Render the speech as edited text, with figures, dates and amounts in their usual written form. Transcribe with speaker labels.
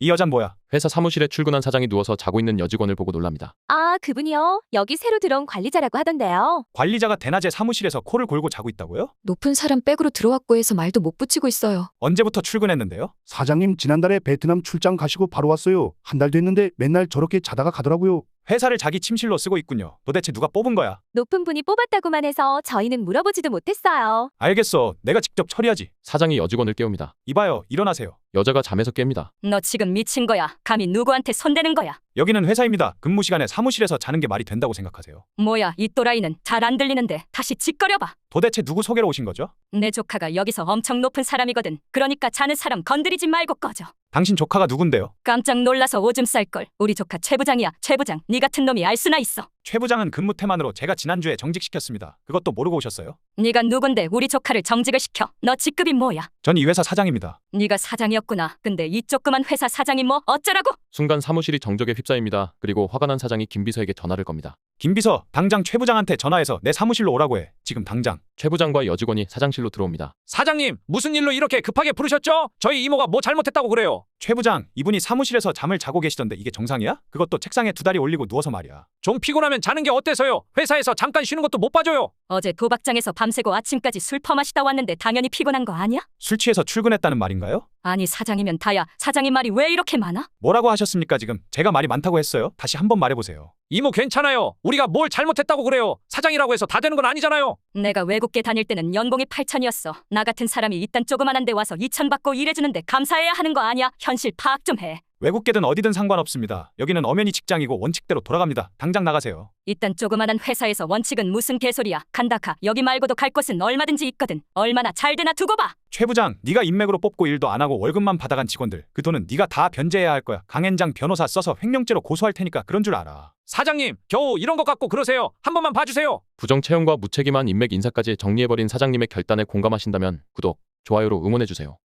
Speaker 1: 이 여잔 뭐야?
Speaker 2: 회사 사무실에 출근한 사장이 누워서 자고 있는 여직원을 보고 놀랍니다.
Speaker 3: 아, 그분이요? 여기 새로 들어온 관리자라고 하던데요.
Speaker 1: 관리자가 대낮에 사무실에서 코를 골고 자고 있다고요?
Speaker 4: 높은 사람 백으로 들어왔고 해서 말도 못 붙이고 있어요.
Speaker 1: 언제부터 출근했는데요?
Speaker 5: 사장님 지난달에 베트남 출장 가시고 바로 왔어요. 한 달 됐는데 맨날 저렇게 자다가 가더라고요.
Speaker 1: 회사를 자기 침실로 쓰고 있군요. 도대체 누가 뽑은 거야?
Speaker 3: 높은 분이 뽑았다고만 해서 저희는 물어보지도 못했어요.
Speaker 1: 알겠어. 내가 직접 처리하지.
Speaker 2: 사장이 여직원을 깨웁니다.
Speaker 1: 이봐요. 일어나세요.
Speaker 2: 여자가 잠에서 깹니다.
Speaker 6: 너 지금 미친 거야? 감히 누구한테 손대는 거야?
Speaker 1: 여기는 회사입니다. 근무 시간에 사무실에서 자는 게 말이 된다고 생각하세요?
Speaker 6: 뭐야, 이 또라이는 잘 안 들리는데 다시 짓거려봐.
Speaker 1: 도대체 누구 소개로 오신 거죠?
Speaker 6: 내 조카가 여기서 엄청 높은 사람이거든. 그러니까 자는 사람 건드리지 말고 꺼져.
Speaker 1: 당신 조카가 누군데요?
Speaker 6: 깜짝 놀라서 오줌 쌀걸. 우리 조카 최 부장이야. 최 부장, 네 같은 놈이 알 수나 있어.
Speaker 1: 최 부장은 근무 태만으로 제가 지난주에 정직시켰습니다. 그것도 모르고 오셨어요?
Speaker 6: 네가 누군데 우리 조카를 정직을 시켜? 너 직급이 뭐야?
Speaker 1: 전 이 회사 사장입니다.
Speaker 6: 네가 사장이었구나. 근데 이 조그만 회사 사장이 뭐 어쩌라고?
Speaker 2: 순간 사무실이 정적에 휩싸입니다. 그리고 화가 난 사장이 김 비서에게 전화를 겁니다.
Speaker 1: 김 비서, 당장 최 부장한테 전화해서 내 사무실로 오라고 해. 지금 당장.
Speaker 2: 최 부장과 여직원이 사장실로 들어옵니다.
Speaker 7: 사장님, 무슨 일로 이렇게 급하게 부르셨죠? 저희 이모가 뭐 잘못했다고 그래요?
Speaker 1: 최 부장, 이분이 사무실에서 잠을 자고 계시던데 이게 정상이야? 그것도 책상에 두 다리 올리고 누워서 말이야.
Speaker 7: 좀 피곤하면 자는 게 어때서요? 회사에서 잠깐 쉬는 것도 못 봐줘요.
Speaker 6: 어제 도박장에서 밤새고 아침까지 술 퍼마시다 왔는데 당연히 피곤한 거 아니야?
Speaker 1: 술 취해서 출근했다는 말인가요?
Speaker 6: 아니 사장이면 다야. 사장님 말이 왜 이렇게 많아?
Speaker 1: 뭐라고 하셨습니까 지금? 제가 말이 많다고 했어요? 다시 한번 말해보세요.
Speaker 7: 이모 괜찮아요. 우리가 뭘 잘못했다고 그래요? 사장이라고 해서 다 되는 건 아니잖아요.
Speaker 6: 내가 외국계 다닐 때는 연봉이 8천이었어. 나 같은 사람이 이딴 조그만한 데 와서 2천 받고 일해주는데 감사해야 하는 거 아니야? 현실 파악 좀 해.
Speaker 1: 외국계든 어디든 상관없습니다. 여기는 엄연히 직장이고 원칙대로 돌아갑니다. 당장 나가세요.
Speaker 6: 이딴 조그만한 회사에서 원칙은 무슨 개소리야. 간다 가. 여기 말고도 갈 곳은 얼마든지 있거든. 얼마나 잘 되나 두고 봐.
Speaker 1: 최 부장, 네가 인맥으로 뽑고 일도 안 하고 월급만 받아간 직원들. 그 돈은 네가 다 변제해야 할 거야. 강현장 변호사 써서 횡령죄로 고소할 테니까 그런 줄 알아.
Speaker 7: 사장님, 겨우 이런 것 갖고 그러세요. 한 번만 봐주세요.
Speaker 2: 부정 채용과 무책임한 인맥 인사까지 정리해버린 사장님의 결단에 공감하신다면 구독, 좋아요로 응원해주세요.